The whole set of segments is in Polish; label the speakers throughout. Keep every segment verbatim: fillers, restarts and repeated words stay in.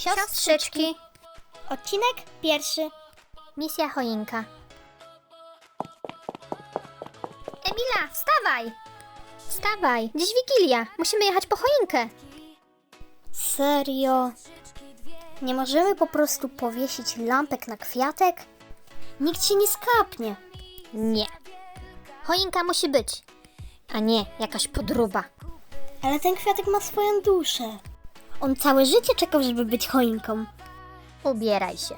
Speaker 1: Siostrzyczki.
Speaker 2: Odcinek pierwszy.
Speaker 1: Misja choinka. Emila, wstawaj! Wstawaj, dziś Wigilia. Musimy jechać po choinkę.
Speaker 2: Serio? Nie możemy po prostu powiesić lampek na kwiatek? Nikt się nie skapnie.
Speaker 1: Nie. Choinka musi być, a nie jakaś podróba.
Speaker 2: Ale ten kwiatek ma swoją duszę. On całe życie czekał, żeby być choinką.
Speaker 1: Ubieraj się.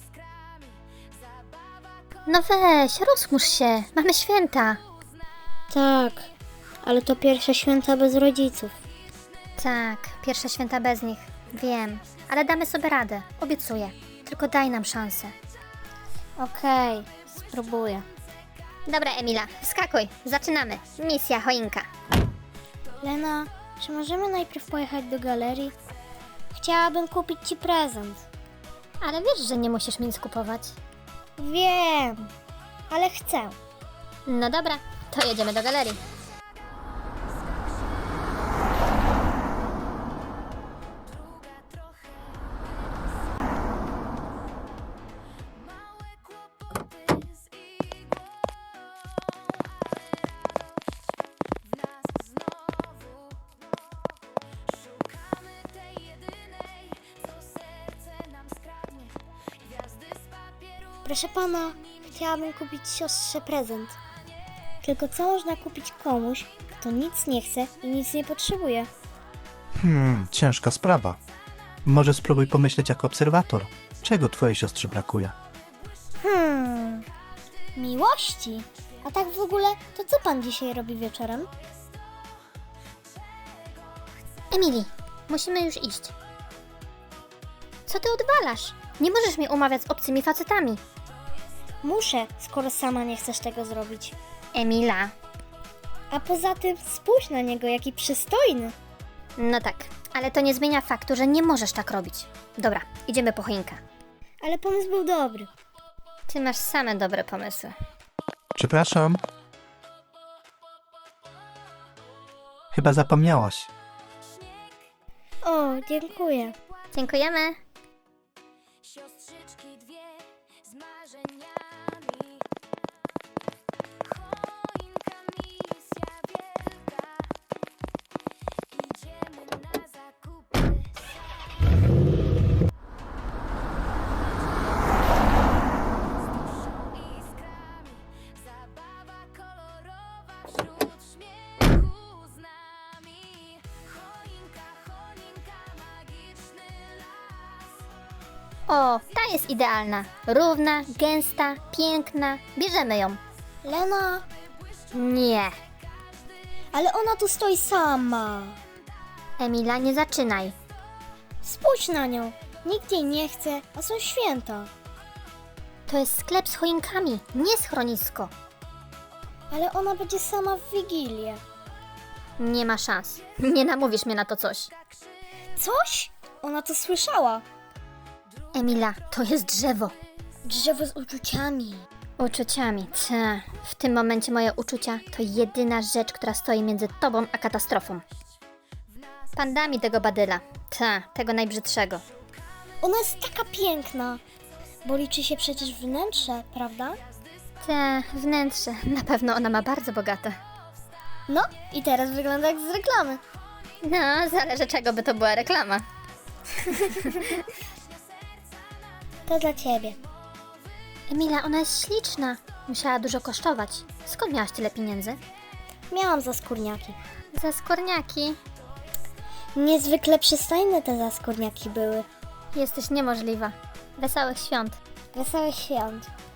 Speaker 1: No weź, rozchmurz się. Mamy święta.
Speaker 2: Tak, ale to pierwsze święta bez rodziców.
Speaker 1: Tak, pierwsze święta bez nich. Wiem, ale damy sobie radę. Obiecuję. Tylko daj nam szansę.
Speaker 2: Okej, spróbuję.
Speaker 1: Dobra, Emila, wskakuj. Zaczynamy. Misja choinka.
Speaker 2: Lena, czy możemy najpierw pojechać do galerii? Chciałabym kupić ci prezent.
Speaker 1: Ale wiesz, że nie musisz mi nic kupować.
Speaker 2: Wiem, ale chcę.
Speaker 1: No dobra, to jedziemy do galerii.
Speaker 2: Proszę pana, chciałabym kupić siostrze prezent. Tylko co można kupić komuś, kto nic nie chce i nic nie potrzebuje?
Speaker 3: Hmm, ciężka sprawa. Może spróbuj pomyśleć jako obserwator. Czego twojej siostrze brakuje?
Speaker 2: Hmm, miłości. A tak w ogóle, to co pan dzisiaj robi wieczorem?
Speaker 1: Emili, musimy już iść. Co ty odwalasz? Nie możesz mnie umawiać z obcymi facetami.
Speaker 2: Muszę, skoro sama nie chcesz tego zrobić.
Speaker 1: Emila.
Speaker 2: A poza tym spójrz na niego, jaki przystojny.
Speaker 1: No tak, ale to nie zmienia faktu, że nie możesz tak robić. Dobra, idziemy po choinkę.
Speaker 2: Ale pomysł był dobry.
Speaker 1: Ty masz same dobre pomysły.
Speaker 3: Przepraszam. Chyba zapomniałaś.
Speaker 2: O, dziękuję.
Speaker 1: Dziękujemy.
Speaker 4: Siostrzyczki dwie z marzeniami. Choinka, misja wielka. Idziemy na zakupy. Z duszą i iskrami. Zabawa kolorowa wśród śmiechu z nami. Choinka, choinka, magiczny las.
Speaker 1: O, ta jest idealna. Równa, gęsta, piękna. Bierzemy ją.
Speaker 2: Lena,
Speaker 1: Nie.
Speaker 2: ale ona tu stoi sama.
Speaker 1: Emila, nie zaczynaj.
Speaker 2: Spójrz na nią. Nikt jej nie chce, a są święta.
Speaker 1: To jest sklep z choinkami, nie schronisko.
Speaker 2: Ale ona będzie sama w Wigilię.
Speaker 1: Nie ma szans. Nie namówisz mnie na to coś.
Speaker 2: Coś? Ona to słyszała.
Speaker 1: Emila, to jest drzewo.
Speaker 2: Drzewo z uczuciami.
Speaker 1: Uczuciami. Ta. W tym momencie moje uczucia to jedyna rzecz, która stoi między tobą a katastrofą. Pan da mi tego badyla. Ta, tego najbrzydszego.
Speaker 2: Ona jest taka piękna. Bo liczy się przecież wnętrze, prawda?
Speaker 1: Ta, wnętrze. Na pewno ona ma bardzo bogate.
Speaker 2: No i teraz wygląda jak z reklamy.
Speaker 1: No, zależy czego by to była reklama.
Speaker 2: To dla ciebie.
Speaker 1: Emila, ona jest śliczna. Musiała dużo kosztować. Skąd miałaś tyle pieniędzy?
Speaker 2: Miałam zaskórniaki.
Speaker 1: Za skórniaki.
Speaker 2: Niezwykle przystojne te zaskórniaki były.
Speaker 1: Jesteś niemożliwa. Wesołych świąt.
Speaker 2: Wesołych świąt.